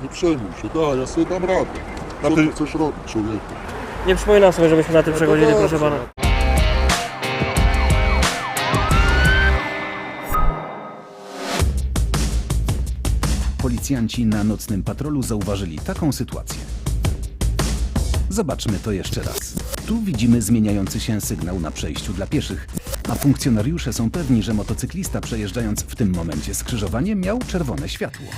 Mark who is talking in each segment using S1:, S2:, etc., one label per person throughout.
S1: nie przejmuj się, daj, ja sobie dam radę. Co ty chcesz robić, człowieku?
S2: Nie przypominam sobie, żebyśmy na tym przechodzili, proszę pana.
S3: Policjanci na nocnym patrolu zauważyli taką sytuację. Zobaczmy to jeszcze raz. Tu widzimy zmieniający się sygnał na przejściu dla pieszych, a funkcjonariusze są pewni, że motocyklista przejeżdżając w tym momencie skrzyżowanie miał czerwone światło.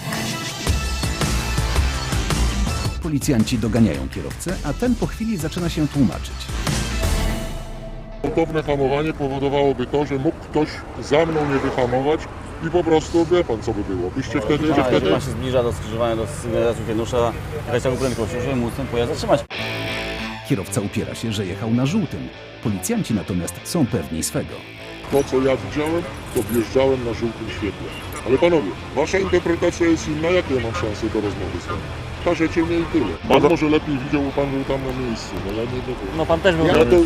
S3: Policjanci doganiają kierowcę, a ten po chwili zaczyna się tłumaczyć.
S1: Gwałtowne hamowanie powodowałoby to, że mógł ktoś za mną nie wyhamować i po prostu wie pan co by było. Byście wtedy, że wtedy...
S4: Jeżeli pan się zbliża do skrzyżowania, do sygnalizacji światłosza, jakaś taką prędkością, żeby móc ten pojazd zatrzymać.
S3: Kierowca upiera się, że jechał na żółtym. Policjanci natomiast są pewni swego.
S1: To co ja widziałem, to wjeżdżałem na żółtym świetle. Ale panowie, wasza interpretacja jest inna, jakie ja mam szansę do rozmowy z wami? Każecie mnie i tyle. Pan może lepiej widział, bo pan był tam na miejscu, no ja nie wiem.
S2: No pan też był.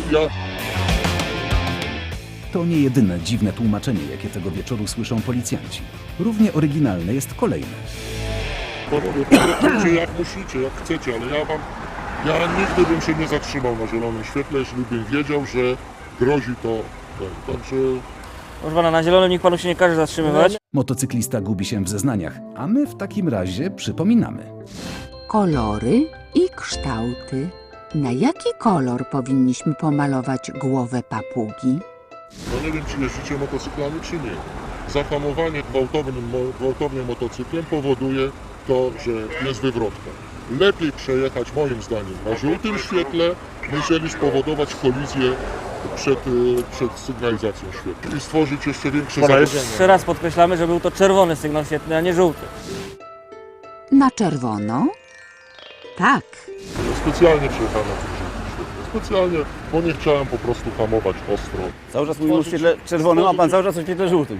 S3: To nie jedyne dziwne tłumaczenie, jakie tego wieczoru słyszą policjanci. Równie oryginalne jest kolejne.
S1: Panowie, potraktujcie jak musicie, jak chcecie, ale ja nigdy bym się nie zatrzymał na zielonym świetle, jeśli bym wiedział, że grozi to. Także...
S2: Proszę pana, na zielonym nikt panu się nie każe zatrzymywać.
S3: Motocyklista gubi się w zeznaniach, a my w takim razie przypominamy.
S5: Kolory i kształty. Na jaki kolor powinniśmy pomalować głowę papugi?
S1: No nie wiem, czy jeździcie motocyklami, czy nie. Zahamowanie gwałtownym motocyklem powoduje to, że jest wywrotka. Lepiej przejechać, moim zdaniem, na żółtym świetle, niżeli spowodować kolizję przed sygnalizacją świetlną i stworzyć jeszcze większe zagrożenie.
S2: Jeszcze raz podkreślamy, że był to czerwony sygnał świetlny, a nie żółty.
S5: Na czerwono? Tak.
S1: Specjalnie przejechałem na tym żółtym świetle. Specjalnie, bo nie chciałem po prostu hamować ostro.
S4: Cały czas mówimy o świetle czerwonym, a pan cały czas o świetle żółtym.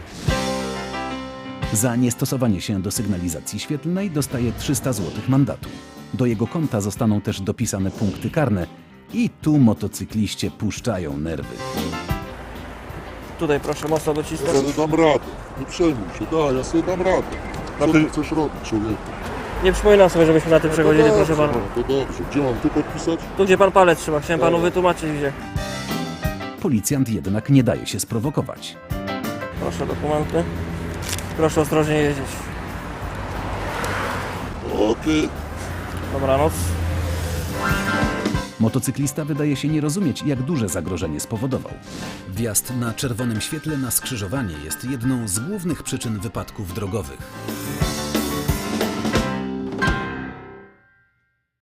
S3: Za niestosowanie się do sygnalizacji świetlnej dostaje 300 zł mandatu. Do jego konta zostaną też dopisane punkty karne i tu motocykliście puszczają nerwy.
S2: Tutaj proszę mocno
S1: Ja
S2: docisnąć.
S1: sobie dam radę, nie przejmuj się, daj, ja sobie dam radę. Co ty chcesz robić, człowieku?
S2: Nie przypominam sobie, żebyśmy na tym przechodzili, proszę pana.
S1: To dobrze, gdzie mam tu podpisać?
S2: Tu gdzie pan palec trzyma, chciałem panu wytłumaczyć gdzie.
S3: Policjant jednak nie daje się sprowokować.
S2: Proszę dokumenty. Proszę ostrożnie jeździć.
S1: Okej.
S2: Dobranoc.
S3: Motocyklista wydaje się nie rozumieć, jak duże zagrożenie spowodował. Wjazd na czerwonym świetle na skrzyżowanie jest jedną z głównych przyczyn wypadków drogowych.